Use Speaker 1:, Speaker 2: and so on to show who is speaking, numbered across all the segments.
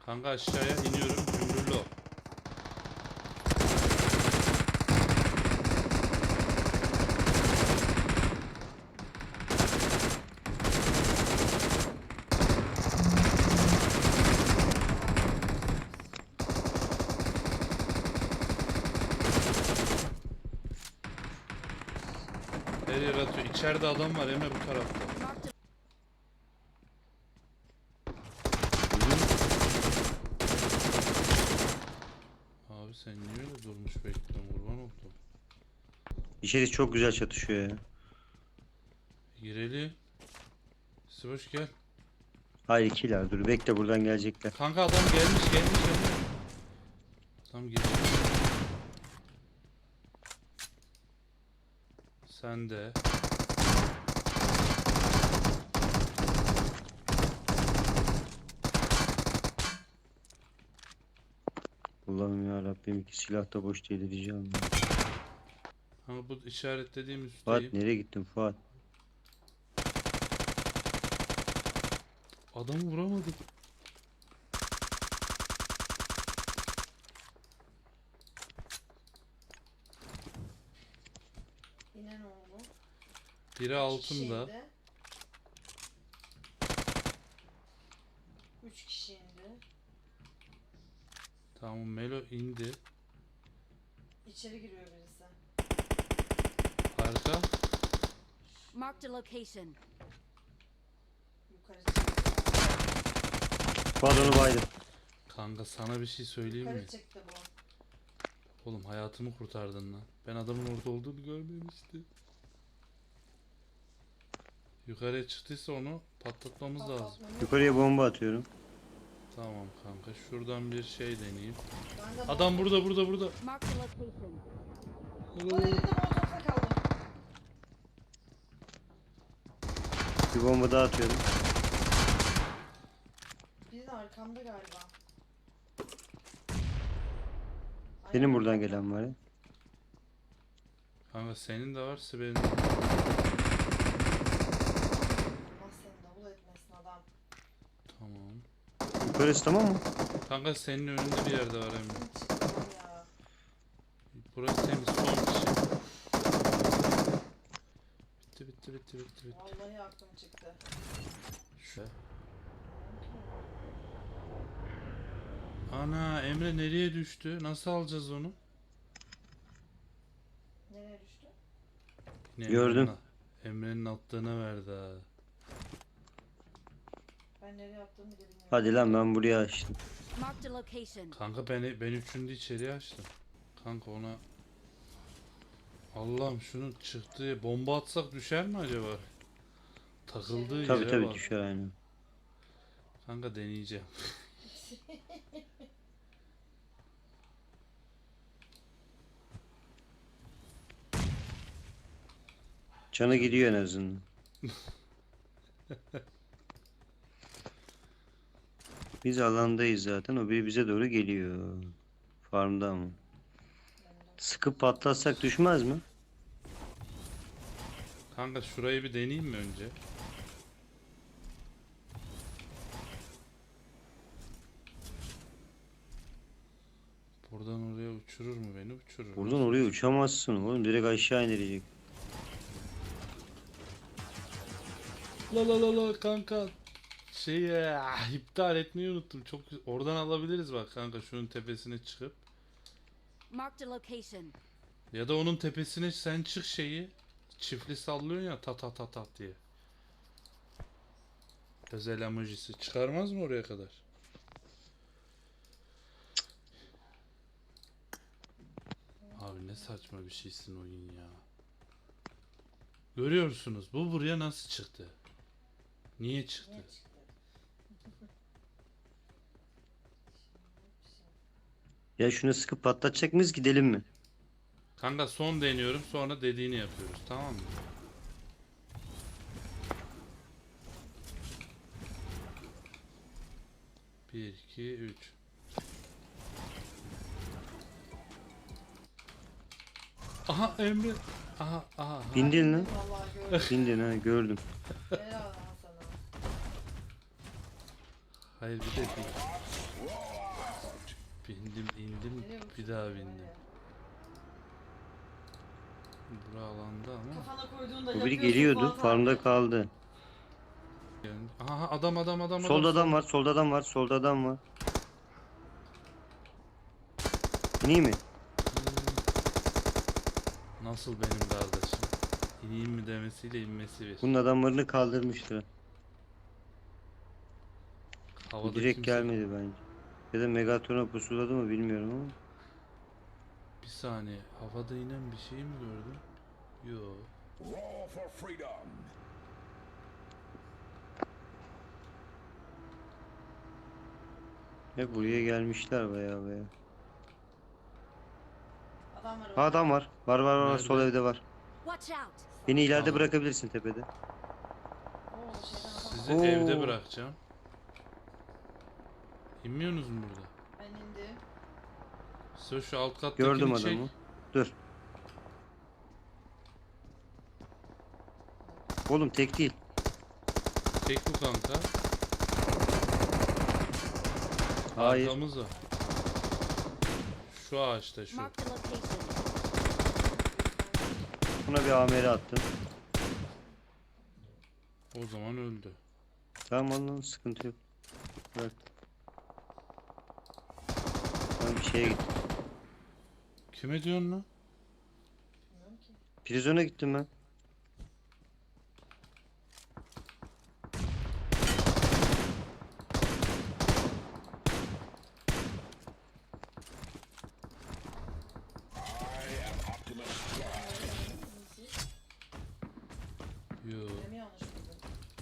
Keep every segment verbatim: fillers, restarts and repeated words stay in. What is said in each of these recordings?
Speaker 1: Kanka aşağıya iniyorum. Cumhurlu ol. Her yer atıyor. İçeride adam var Emre bu tarafta. Abi sen niye öyle durmuş bekliyorsun, kurban oldum.
Speaker 2: İçeri çok güzel çatışıyor ya.
Speaker 1: Girelim. Sıboş gel.
Speaker 2: Hayır ikiler dur bekle buradan gelecekler.
Speaker 1: Kanka adam gelmiş gelmiş gelmiş. Tam geliyor. Sen de.
Speaker 2: Allah'ım ya Rabbim iki silah da boş değil diyeceğim.
Speaker 1: Ama bu işaretlediğim
Speaker 2: Fuat
Speaker 1: üstteyim.
Speaker 2: nereye gittin Fuat?
Speaker 1: Adamı vuramadım.
Speaker 3: Yine ne oldu?
Speaker 1: Biri altında.
Speaker 3: Şeyde. Üç kişi indi.
Speaker 1: Tamam Melo indi.
Speaker 3: İçeri giriyor birisi.
Speaker 1: Arka.
Speaker 4: Marked a location.
Speaker 3: Yukarı çıktı.
Speaker 2: Fuat onu baydı.
Speaker 1: Kanka sana bir şey söyleyeyim mi?
Speaker 3: Yukarı çıktı bu.
Speaker 1: Oğlum hayatımı kurtardın lan. Ben adamın orada olduğunu görmemiştim. Yukarıya çıktıysa onu patlatmamız lazım.
Speaker 3: Patlatmamız-
Speaker 2: Yukarıya bomba atıyorum.
Speaker 1: Tamam kanka şuradan bir şey deneyeyim.
Speaker 3: Ben de
Speaker 1: Adam burada burada burada.
Speaker 4: Marked a location.
Speaker 3: Bu elinde molotofla kaldı.
Speaker 2: Bir bomba daha atıyorum.
Speaker 3: Biri de arkamda galiba.
Speaker 2: Senin
Speaker 3: Aynen.
Speaker 2: buradan gelen var ya.
Speaker 1: Kanka senin de var Sibel'in de.
Speaker 3: Allah seni davul etmesin adam.
Speaker 1: Tamam.
Speaker 2: Yukarısı tamam mı?
Speaker 1: Kanka senin önünde bir yerde var Emre.
Speaker 3: Kim çıktı ya?
Speaker 1: Burası temiz son kişi. Bitti bitti bitti bitti bitti.
Speaker 3: Vallahi aklım çıktı.
Speaker 1: Şu. Ana Emre nereye düştü? Nasıl alacağız onu?
Speaker 3: Nereye düştü?
Speaker 1: Yine
Speaker 2: Gördüm.
Speaker 1: Emre'nin- Emre'nin attığına verdi ha.
Speaker 3: Ben nereye attığımı bile bilmiyorum.
Speaker 2: Hadi lan ben buraya açtım.
Speaker 4: Marked a location.
Speaker 1: Kanka ben ben üçüncü içeriye açtım. Kanka ona Allah'ım şunun çıktığı bomba atsak düşer mi acaba? Takıldığı
Speaker 2: Tabi
Speaker 1: yere
Speaker 2: tabi
Speaker 1: bak.
Speaker 2: düşer aynen.
Speaker 1: Kanka deneyeceğim.
Speaker 2: Canı gidiyor en azından. Biz alandayız zaten. O biri bize doğru geliyor. Farmda ama. Sıkıp patlatsak düşmez mi?
Speaker 1: Kanka şurayı bir deneyeyim mi önce? Buradan oraya uçurur mu beni? Uçurur.
Speaker 2: Buradan
Speaker 1: Nasıl
Speaker 2: oraya
Speaker 1: uçurur?
Speaker 2: uçamazsın oğlum. Direkt aşağı indirecek.
Speaker 1: La la la la kanka. Şeyi ah, iptal etmeyi unuttum. Çok güzel. Oradan alabiliriz bak kanka şunun tepesine çıkıp.
Speaker 4: Marked a location.
Speaker 1: Ya da onun tepesine sen çık şeyi. Çiftli sallıyorsun ya ta ta ta ta diye. Özel emojisi. Çıkarmaz mı oraya kadar? Abi ne saçma bir şeysin oyun ya. Görüyorsunuz bu buraya nasıl çıktı? Niye çıktı?
Speaker 3: Niye çıktı?
Speaker 2: Ya şunu sıkıp patlatacak mıyız gidelim mi?
Speaker 1: Kanka son deniyorum sonra dediğini yapıyoruz tamam mı? Bir, iki, üç. Aha Emre. Aha aha. aha.
Speaker 2: Bindin lan.
Speaker 3: Vallahi gördüm.
Speaker 2: Bindin ha gördüm.
Speaker 3: Helal lan sana.
Speaker 1: Hayır bir de değil. Bindim indim
Speaker 3: Nereye
Speaker 1: bir
Speaker 3: uçtun
Speaker 1: daha
Speaker 3: ya, var
Speaker 1: bindim.
Speaker 3: ya.
Speaker 1: Bura alanda ama.
Speaker 3: Kafana koyduğunda
Speaker 2: Bu biri
Speaker 3: yapıyorsun
Speaker 2: geliyordu.
Speaker 3: Fuat
Speaker 2: Farmda
Speaker 3: abi.
Speaker 2: kaldı.
Speaker 1: Yani- Aha adam adam adam
Speaker 2: Solda
Speaker 1: adam.
Speaker 2: adam var. Solda adam var. Solda adam var. İneyim mi?
Speaker 1: Hmm. Nasıl benim kardeşim? İneyim mi demesiyle inmesi bir.
Speaker 2: Bunun adamlarını kaldırmıştı.
Speaker 1: Havada
Speaker 2: Direkt
Speaker 1: kimse.
Speaker 2: gelmedi bence. Ya da Megatron'a pusuladı mı bilmiyorum ama.
Speaker 1: Bir saniye. Havada inen bir şey mi gördüm? Yo.
Speaker 5: Roar for freedom.
Speaker 2: Hep buraya gelmişler baya baya.
Speaker 3: Adam var
Speaker 2: Ha,
Speaker 3: orada.
Speaker 2: adam var. Var var var.
Speaker 1: Nerede?
Speaker 2: Sol evde var.
Speaker 4: Watch out!
Speaker 2: Beni ileride
Speaker 1: Tamam.
Speaker 2: bırakabilirsin tepede.
Speaker 3: Oo, şeyden adam.
Speaker 1: Sizi
Speaker 2: Oo.
Speaker 1: evde bırakacağım. İnmiyorsunuz mu burada?
Speaker 3: Ben indim.
Speaker 1: Size şu alt kattakini
Speaker 2: Gördüm
Speaker 1: çek.
Speaker 2: adamı. Dur. Oğlum tek değil.
Speaker 1: Tek bu kanka.
Speaker 2: Hayır.
Speaker 1: Arkamız var. Şu ağaçta şu.
Speaker 4: Marked a location.
Speaker 2: Buna bir amele attım.
Speaker 1: O zaman öldü.
Speaker 2: Tamam lan sıkıntı yok. Bırak. Ben bir şeye gittim.
Speaker 1: Kime diyorsun lan?
Speaker 3: Bilmiyorum ki.
Speaker 2: Prizona gittim ben.
Speaker 5: I am Optimus Prime.
Speaker 1: Yo.
Speaker 3: Benim yanlış buldum.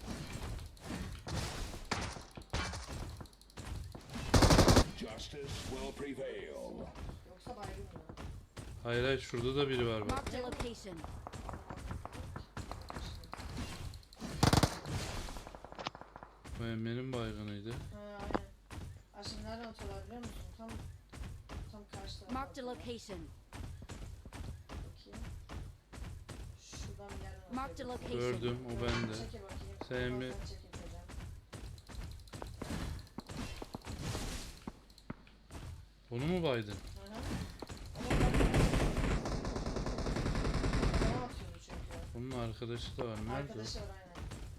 Speaker 5: Justice will prevail.
Speaker 3: Yoksa baygın mı?
Speaker 1: Hayır hayır şurada da biri var bak.
Speaker 4: Marked a location.
Speaker 1: Bu Emre'nin baygınıydı.
Speaker 3: Ha aynen. Aa, şimdi nereden atıyorlar biliyor musun? Tam tam karşı tarafa
Speaker 4: Marked a
Speaker 3: atıyorlar.
Speaker 4: location.
Speaker 3: Bakayım. Şuradan bir yerden
Speaker 4: Marked a
Speaker 3: atıyor.
Speaker 4: location.
Speaker 1: Gördüm o bende.
Speaker 3: Çeke bakayım.
Speaker 1: Sen
Speaker 3: Ondan
Speaker 1: mi-
Speaker 3: sonra çekeceğim.
Speaker 1: Onu mu baydın?
Speaker 3: Hı hı. Ama bak- Adama atıyordu çünkü.
Speaker 1: Onun arkadaşı da var. Nerede? o?
Speaker 3: Arkadaşı var aynen.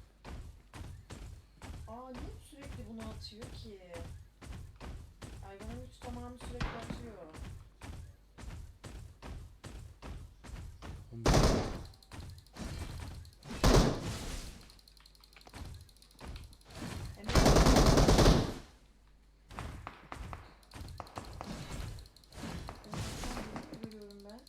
Speaker 3: Aa niye sürekli bunu atıyor ki? Aygan'ın güç tamamı sürekli atıyor.
Speaker 1: Oğlum,
Speaker 3: Emre görüyorum ben.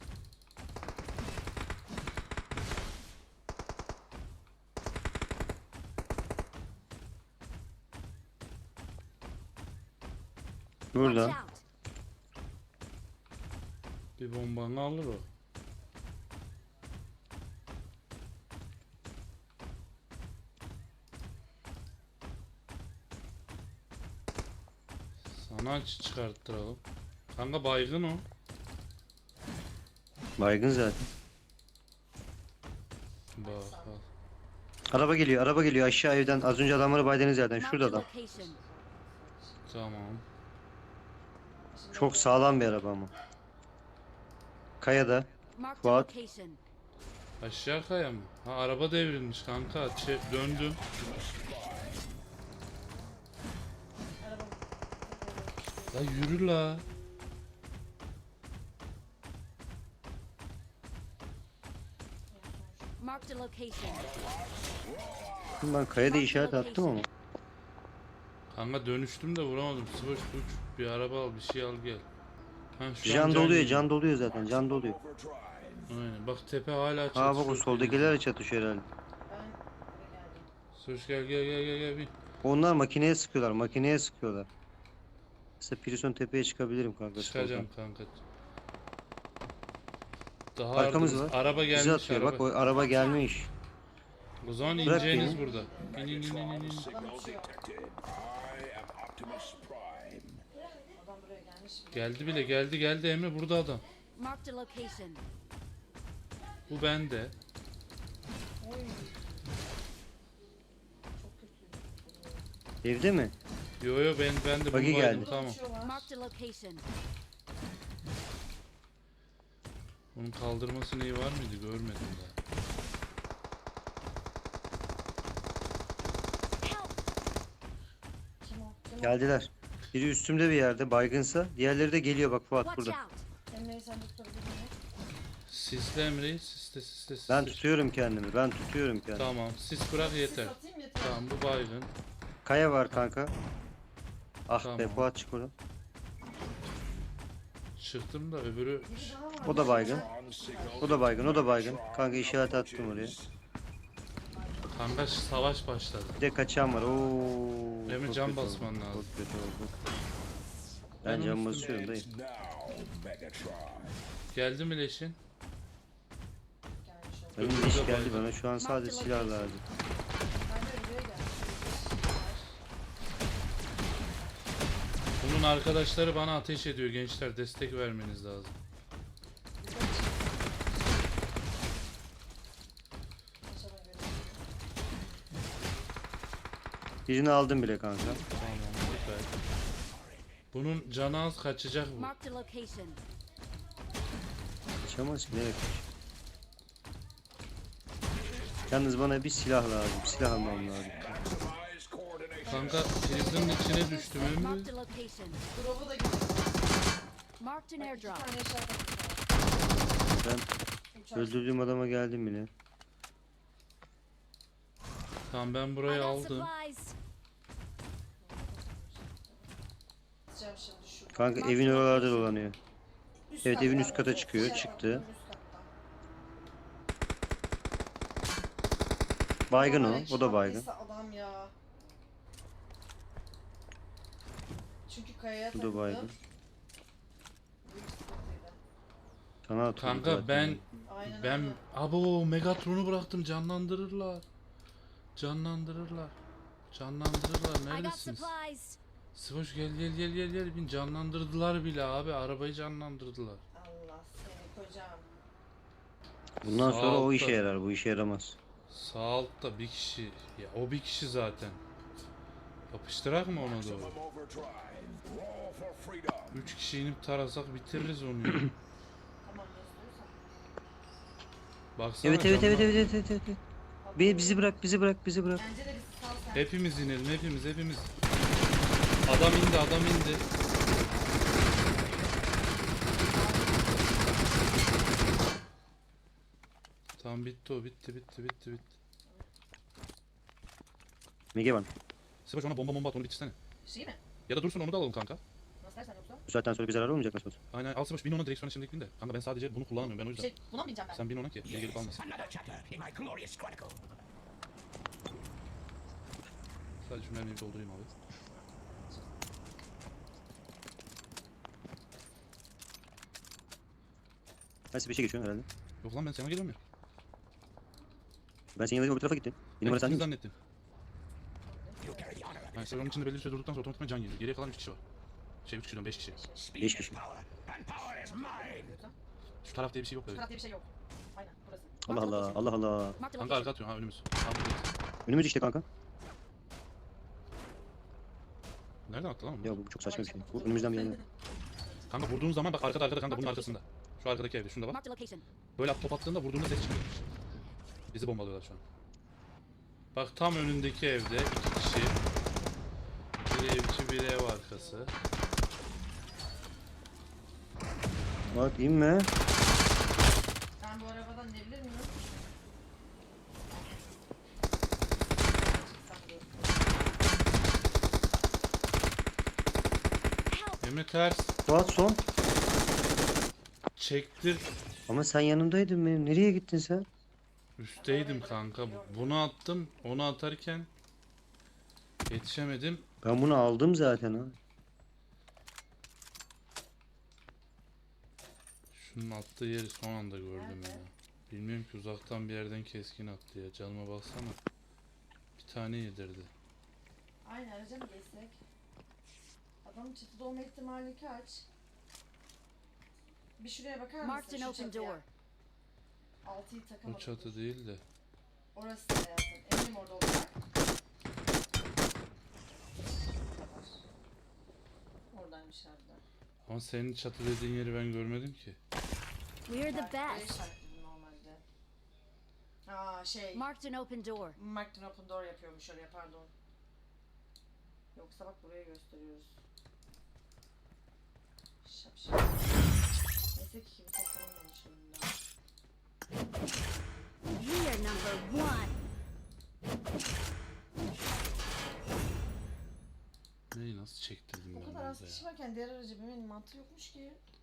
Speaker 4: Watch
Speaker 2: Burada.
Speaker 4: out!
Speaker 1: Bir bombanı alır o. Sana aç çıkarttıralım. Kanka baygın o.
Speaker 2: Baygın zaten.
Speaker 1: Bak bak.
Speaker 2: Araba geliyor. Araba geliyor aşağı evden. Az önce adamları baydınız zaten.
Speaker 4: Marked
Speaker 2: Şurada
Speaker 4: a
Speaker 2: adam.
Speaker 4: location.
Speaker 1: Tamam.
Speaker 3: Şimdi
Speaker 2: Çok sağlam bir araba ama. Kayada.
Speaker 4: Marked a
Speaker 2: Fuat.
Speaker 4: location.
Speaker 1: Aşağı kaya mı? Ha araba devrilmiş kanka. Çe- döndüm.
Speaker 3: araba
Speaker 1: La yürü la.
Speaker 4: Marked a location.
Speaker 2: Şimdi ben kayada işaret attım ama.
Speaker 1: Kanka dönüştüm de vuramadım. Sıvış uç. Bir araba al bir şey al gel. Ha, şu an
Speaker 2: Can doluyor.
Speaker 1: geliyor.
Speaker 2: Can doluyor zaten. Can doluyor.
Speaker 5: Overtime.
Speaker 1: Aynen. Bak tepe hala çatışıyor.
Speaker 2: Ha bak o soldakilerle çatışıyor herhalde.
Speaker 3: ben buraya geldim.
Speaker 1: Söz gel gel gel gel gel bir.
Speaker 2: Onlar makineye sıkıyorlar. Makineye sıkıyorlar. Mesela Prison tepeye çıkabilirim kanka.
Speaker 1: Çıkacağım
Speaker 2: soldan.
Speaker 1: kanka. Daha
Speaker 2: Arkamız
Speaker 1: ardımız-
Speaker 2: var.
Speaker 1: Araba
Speaker 2: Bizi
Speaker 1: gelmiş
Speaker 2: atıyor.
Speaker 1: araba.
Speaker 2: Bak o araba gelmiş.
Speaker 1: O zaman
Speaker 2: Bırak
Speaker 1: ineceğiniz
Speaker 2: beni.
Speaker 1: burada. İn in in in in. in.
Speaker 5: Signal detected. I am Optimus Prime.
Speaker 3: Adam buraya gelmiş.
Speaker 1: Geldi bile geldi geldi Emre burada adam.
Speaker 4: Marked a location.
Speaker 1: Bu bende.
Speaker 3: Oy. Çok kötü.
Speaker 2: Evde mi?
Speaker 1: Yo yo ben ben de
Speaker 2: Buggy
Speaker 1: bunu baydım,
Speaker 2: geldi.
Speaker 1: tamam.
Speaker 3: Uçuyorlar.
Speaker 4: Marked a location.
Speaker 1: Bunun kaldırması neyi var mıydı görmedim daha.
Speaker 4: Help!
Speaker 3: Kim o? Kim o?
Speaker 2: Geldiler. Biri üstümde bir yerde baygınsa. Diğerleri de geliyor bak Fuat
Speaker 4: Watch
Speaker 2: burada.
Speaker 4: out!
Speaker 3: Emre'yi sen de tutabilir miyim?
Speaker 1: Sisle Emre'yi, sisle sisle sisle.
Speaker 2: Ben tutuyorum kendimi. Ben tutuyorum kendimi.
Speaker 1: Tamam, sis bırak yeter.
Speaker 3: Sis atayım yeter.
Speaker 1: Tamam, bu baygın.
Speaker 2: Kaya var kanka. Ah be
Speaker 1: Tamam.
Speaker 2: Fuat çık oradan.
Speaker 1: Çıktım da öbürü...
Speaker 3: Biri daha var.
Speaker 2: O da baygın.
Speaker 5: On signal.
Speaker 2: O da baygın, o da baygın. Kanka işaret attım oraya.
Speaker 1: Kanka savaş başladı.
Speaker 2: Bir de kaçan var. Oo.
Speaker 1: Emre
Speaker 2: çok
Speaker 1: can
Speaker 2: kötü oldu,
Speaker 1: basman lazım.
Speaker 2: Çok kötü oldu.
Speaker 1: Ben
Speaker 2: Ben can
Speaker 1: onu
Speaker 2: basıyorum dayı.
Speaker 5: It's now, Megatron.
Speaker 1: Geldi mi leşin?
Speaker 3: Gelmiş oldu.
Speaker 2: Benim
Speaker 1: Öbürü
Speaker 2: de iş
Speaker 1: de
Speaker 2: geldi
Speaker 1: baygın.
Speaker 2: bana. Şu an sadece silah lazım.
Speaker 3: Ben de Emre'ye geldim.
Speaker 1: Bunun arkadaşları bana ateş ediyor gençler, destek vermeniz lazım.
Speaker 3: Aşağıdan görüyorum.
Speaker 2: Birini aldım bile kanka.
Speaker 1: Tamam, süper. Bunun canı az, kaçacak bu.
Speaker 4: Marked a location.
Speaker 2: Kaçamaz ki nereye kaç? Yalnız bana bir silah lazım. Silah almam lazım.
Speaker 5: Maximize coordination.
Speaker 1: Kanka prizin içine düştüm Emre.
Speaker 4: Marked a location.
Speaker 3: Drop'u da gidiyor.
Speaker 4: Marked an
Speaker 3: Bak iki
Speaker 4: airdrop.
Speaker 3: tane işaret attım.
Speaker 2: Ben
Speaker 3: Uçak.
Speaker 2: öldürdüğüm adama geldim bile.
Speaker 1: Tamam ben
Speaker 4: I
Speaker 1: burayı
Speaker 4: got
Speaker 1: aldım.
Speaker 4: supplies.
Speaker 3: Atacağım şimdi şuradan.
Speaker 2: Kanka evin oralarda dolanıyor.
Speaker 3: Üst
Speaker 2: Evet, evin
Speaker 3: kattan
Speaker 2: üst kata
Speaker 3: olacak.
Speaker 2: çıkıyor,
Speaker 3: İşaret
Speaker 2: çıktı.
Speaker 3: attım, üst kattan.
Speaker 2: Baygın o.
Speaker 3: Ay,
Speaker 2: O da baygın.
Speaker 3: çarptıysa adam ya. Çünkü kayaya
Speaker 2: Bu da
Speaker 3: takıldım.
Speaker 2: baygın.
Speaker 3: Büyük sıkıntıydı.
Speaker 2: Sana atıyorum
Speaker 1: Kanka
Speaker 2: zaten.
Speaker 1: ben
Speaker 3: Aynen
Speaker 1: ben
Speaker 3: öyle.
Speaker 1: abo Megatron'u bıraktım, canlandırırlar. Canlandırırlar. Canlandırırlar,
Speaker 4: I got
Speaker 1: neredesiniz?
Speaker 4: supplies.
Speaker 1: Sıvoş gel gel gel gel gel. Bin canlandırdılar bile abi, arabayı canlandırdılar.
Speaker 3: Allah seni kocam.
Speaker 2: Bundan
Speaker 1: Sağ
Speaker 2: sonra o
Speaker 1: altta.
Speaker 2: işe yarar. Bu işe yaramaz.
Speaker 1: Sağ altta bir kişi. Ya o bir kişi zaten. Yapıştırak mı ona doğru?
Speaker 5: Maximum overdrive. Roll for freedom.
Speaker 1: Üç kişi inip tarasak bitiririz onu ya.
Speaker 3: Tamam nasıl olursa.
Speaker 1: Baksana
Speaker 2: Evet evet evet
Speaker 1: canlan-
Speaker 2: evet evet evet. evet. Bi- Bizi bırak, bizi bırak, bizi bırak.
Speaker 3: Bence de bizi sal sen.
Speaker 1: Hepimiz inelim, hepimiz hepimiz. Adam indi, adam indi. Tamam bitti o, bitti bitti bitti bitti.
Speaker 2: Mege var.
Speaker 1: Sıvaş ona bomba bomba at, onu bitirsene.
Speaker 3: Şey mi?
Speaker 1: Ya da dursun onu da alalım kanka.
Speaker 3: Nasıl dersen yoksa?
Speaker 2: Bu saatten sonra bir zarar olmayacak nasıl olsa.
Speaker 1: Aynen, al Sıvaş bin ona, direksiyona şimdilik bin de. Kanka ben sadece bunu kullanamıyorum, ben o yüzden.
Speaker 3: Şey buna mı bineceğim ben?
Speaker 1: Sen bin ona ki geri gelip almasın.
Speaker 5: Another chapter in my glorious chronicle.
Speaker 1: Sadece şu mermiyi bir doldurayım abi.
Speaker 2: Ben size bir şey geçiyorum herhalde.
Speaker 1: Yok lan ben sana geliyorum ya.
Speaker 2: Ben senin yanına öbür tarafa gittim. Bir numara
Speaker 1: Ben
Speaker 2: sen
Speaker 1: ikiniz
Speaker 2: değil misin?
Speaker 1: zannettim.
Speaker 5: You carry the honor of
Speaker 1: Yani sen onun içinde belli bir süre durduktan sonra otomatikman can geliyor. Geriye kalan üç kişi var. Şey üç kişiden beş kişi.
Speaker 5: speed
Speaker 2: Beş
Speaker 5: is
Speaker 2: kişi.
Speaker 5: power, and power is mine.
Speaker 1: Şu taraf diye bir şey yok
Speaker 3: Şu
Speaker 1: böyle.
Speaker 3: taraf diye bir şey yok. Aynen burası.
Speaker 2: Allah Allah, Allah Allah.
Speaker 4: Marked a
Speaker 1: Kanka arka
Speaker 4: location.
Speaker 1: atıyorsun ha, önümüz. Tam buradayız.
Speaker 2: Önümüz işte kanka.
Speaker 1: Nereden attı lan onu?
Speaker 2: Ya bu çok saçma bir şey. Bu önümüzden bir yana.
Speaker 1: Kanka vurduğun zaman bak arkada arkada kanka, bunun arkasında. Şu arkadaki evde, şunda bak.
Speaker 4: Marked a location.
Speaker 1: Böyle top attığında vurduğunda ses çıkıyor. Bizi bombalıyorlar şu an. Bak tam önündeki evde iki kişi. Bir evçi, bir ev arkası.
Speaker 2: Bak inme.
Speaker 3: Ben bu arabadan inebilir miyim?
Speaker 4: Help!
Speaker 1: Emre ters.
Speaker 2: Fuat son.
Speaker 1: Çektir.
Speaker 2: Ama sen yanımdaydın benim. Nereye gittin sen?
Speaker 1: Üstteydim kanka. Bunu attım. Onu atarken yetişemedim.
Speaker 2: Ben bunu aldım zaten ha.
Speaker 1: Şunun attığı yeri son anda gördüm ya. Bilmiyorum ki, uzaktan bir yerden keskin attı ya. Canıma baksana. Bir tane yedirdi.
Speaker 3: Aynı araca mı geçsek? Adamın çatıda olma ihtimali kaç? Bir şuraya bakar mısın?
Speaker 4: Marked an
Speaker 3: Şu
Speaker 4: open
Speaker 3: çatıya.
Speaker 4: door.
Speaker 3: Altıyı
Speaker 1: O
Speaker 3: takamadım.
Speaker 1: çatı değil de.
Speaker 3: Orası hayatım. Eminim orada olacak. oradaymış herhalde.
Speaker 1: Ama senin çatı dediğin yeri ben görmedim ki.
Speaker 4: We're the
Speaker 3: Belki burayı
Speaker 4: best.
Speaker 3: işaretledim normalde. Aa şey.
Speaker 4: Marked an open door.
Speaker 3: Marked an open door yapıyormuş oraya, pardon. Yoksa bak buraya gösteriyoruz. Şapşal. Neyse ki kimi toplanmamış önümden.
Speaker 4: We are number one.
Speaker 1: Neyi nasıl çektirdim
Speaker 3: O
Speaker 1: ben
Speaker 3: kadar az
Speaker 1: orada
Speaker 3: kişi
Speaker 1: ya?
Speaker 3: varken diğer aracı binmenin mantığı yokmuş ki.